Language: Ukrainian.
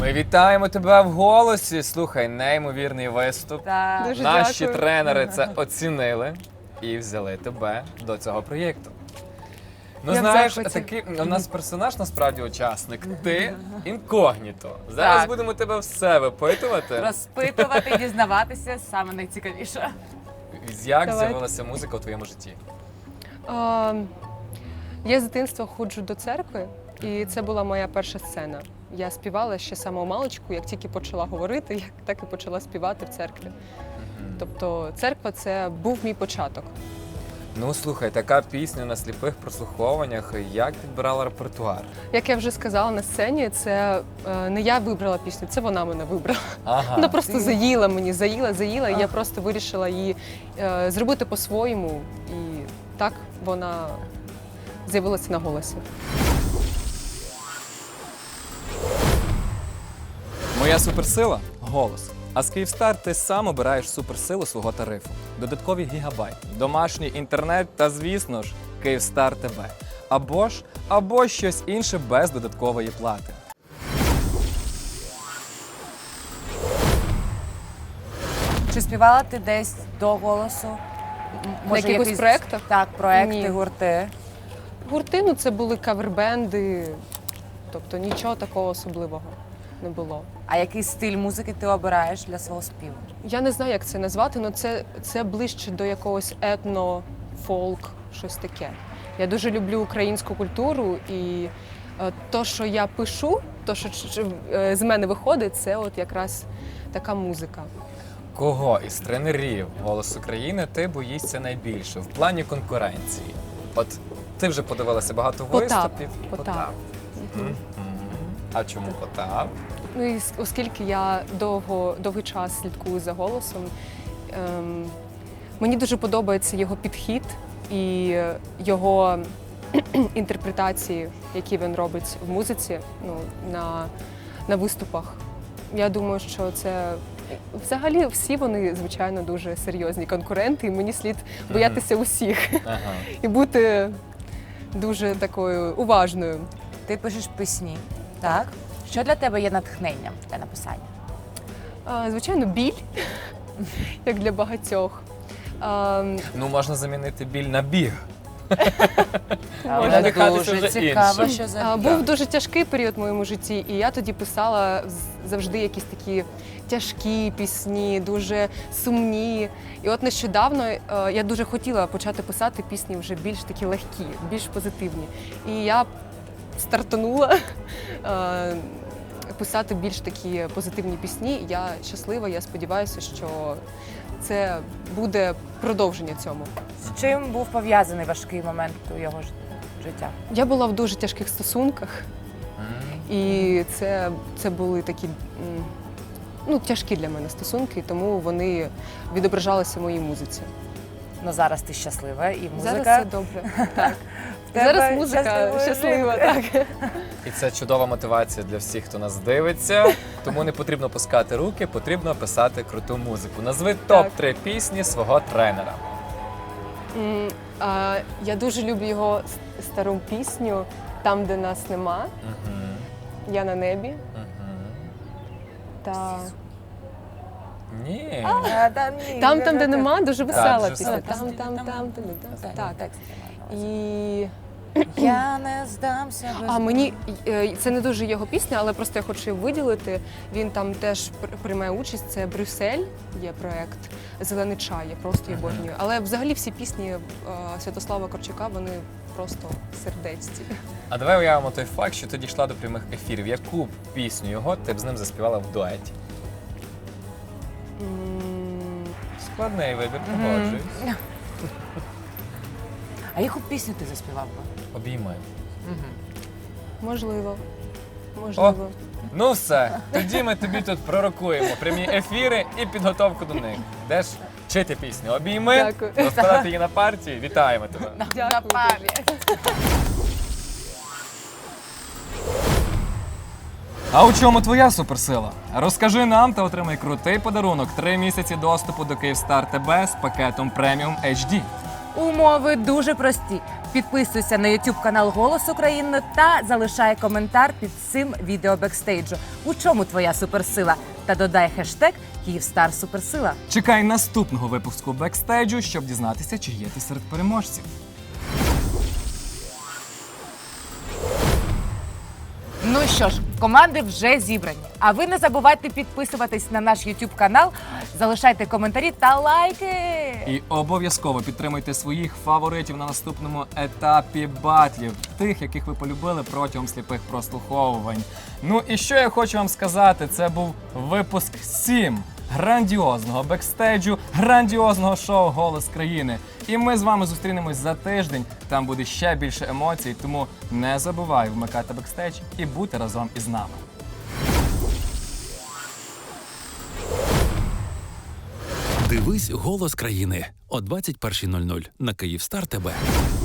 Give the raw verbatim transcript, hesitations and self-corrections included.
Ми вітаємо тебе в голосі. Слухай, неймовірний виступ. Так. Дуже Наші дякую. тренери це оцінили і взяли тебе до цього проєкту. Ну, Я в знаєш, захваті. такий у нас персонаж насправді учасник. Ти інкогніто. Зараз Так. будемо тебе все випитувати. Розпитувати, дізнаватися саме найцікавіше. Як Давайте. з'явилася музика у твоєму житті? А, я з дитинства ходжу до церкви, і це була моя перша сцена. Я співала ще з самого маличку, як тільки почала говорити, як так і почала співати в церкві. Тобто церква – це був мій початок. Ну слухай, така пісня на сліпих прослуховуваннях. Як підбирала репертуар? Як я вже сказала на сцені, це е, не я вибрала пісню, це вона мене вибрала. Ага. Вона просто ти- заїла мені, заїла, заїла, і я Ага. просто вирішила її е, зробити по-своєму. І так вона з'явилася на голосі. Моя суперсила голос. А з Київстар ти сам обираєш суперсилу свого тарифу. Додаткові гігабайти, домашній інтернет та, звісно ж, Київстар ТВ. Або ж, або щось інше без додаткової плати. Чи співала ти десь до голосу? М, На якихось проєктах? Так, проекти, Ні. гурти. Гурти, ну це були кавербенди, тобто нічого такого особливого не було. А який стиль музики ти обираєш для свого співу? Я не знаю, як це назвати, але це, це ближче до якогось етно, фолк, щось таке. Я дуже люблю українську культуру, і е, то, що я пишу, то, що ч- ч- е, з мене виходить, це от якраз така музика. Кого із тренерів «Голос України» ти боїшся найбільше в плані конкуренції? От ти вже подивилася багато Потап. виступів. Потап. Мгм. А чому Потап? Ну і с- оскільки я довго, довгий час слідкую за голосом, ем, мені дуже подобається його підхід і його інтерпретації, які він робить в музиці, ну, на, на виступах. Я думаю, що це взагалі всі вони, звичайно, дуже серйозні конкуренти, і мені слід боятися усіх Ага. і бути дуже такою уважною. Ти пишеш пісні, так? Що для тебе є натхненням для написання? А, Звичайно, біль, як для багатьох. А, Ну, можна замінити біль на біг. Але надихатися дуже вже цікаво, іншим. що за а, біль. Був дуже тяжкий період в моєму житті, і я тоді писала з- завжди якісь такі тяжкі пісні, дуже сумні. І от нещодавно е, я дуже хотіла почати писати пісні вже більш такі легкі, більш позитивні. І я стартанула е, писати більш такі позитивні пісні. Я щаслива, я сподіваюся, що це буде продовження цьому. З чим був пов'язаний важкий момент у його ж- життя? Я була в дуже тяжких стосунках, М. і це, це були такі м, ну, тяжкі для мене стосунки, тому вони відображалися в моїй музиці. Ну зараз ти щаслива і музика. Зараз все добре. Так. в тебе Зараз музика щасливо щаслива. жити. Так. І це чудова мотивація для всіх, хто нас дивиться. Тому не потрібно пускати руки, потрібно писати круту музику. Назви топ три пісні свого тренера. М, а, Я дуже люблю його с- стару пісню «Там, де нас нема», Мгм. «Я на небі» Мгм. та Ні. А, та ні, «Там, не там, де так. нема» дуже весела дуже пісня. сильно. Там, там, там, там, там. Так, Так. текст я маю на І увазі. Я не здамся без А мені е, це не дуже його пісня, але просто я хочу її виділити. Він там теж пр- приймає участь. Це Брюссель, є проект Зелений чай. Я просто її обожнюю. Але взагалі всі пісні е, Святослава Корчака вони просто сердечці. А давай уявимо той факт, що ти дійшла до прямих ефірів. Яку пісню його ти б з ним заспівала в дуеті? М, Складний вибір, погоджуюсь. А яку пісню ти заспівав би? Обійми. Можливо, можливо. Ну все, тоді ми тобі тут пророкуємо прямі ефіри і підготовку до них. Йдеш вчити пісню. Обійми, Дякую. розкладати її на партії. Вітаємо тебе. На Дякую пам'ять. А у чому твоя суперсила? Розкажи нам та отримай крутий подарунок. Три місяці доступу до Київстар ТБ з пакетом преміум ейч ді. Умови дуже прості. Підписуйся на YouTube канал Голос України та залишай коментар під цим відео бекстейджу. У чому твоя суперсила? Та додай хештег Київстар Суперсила. Чекай наступного випуску бекстейджу, щоб дізнатися, чи є ти серед переможців. Ну що ж, команди вже зібрані. А ви не забувайте підписуватись на наш YouTube канал, залишайте коментарі та лайки. І обов'язково підтримуйте своїх фаворитів на наступному етапі батлів, тих, яких ви полюбили протягом сліпих прослуховувань. Ну і що я хочу вам сказати, це був випуск сім грандіозного бекстейджу, грандіозного шоу «Голос країни». І ми з вами зустрінемось за тиждень, там буде ще більше емоцій, тому не забувай вмикати бекстейдж і бути разом із нами. Дивись «Голос країни» о двадцять першій нуль нуль на Київстар ТВ.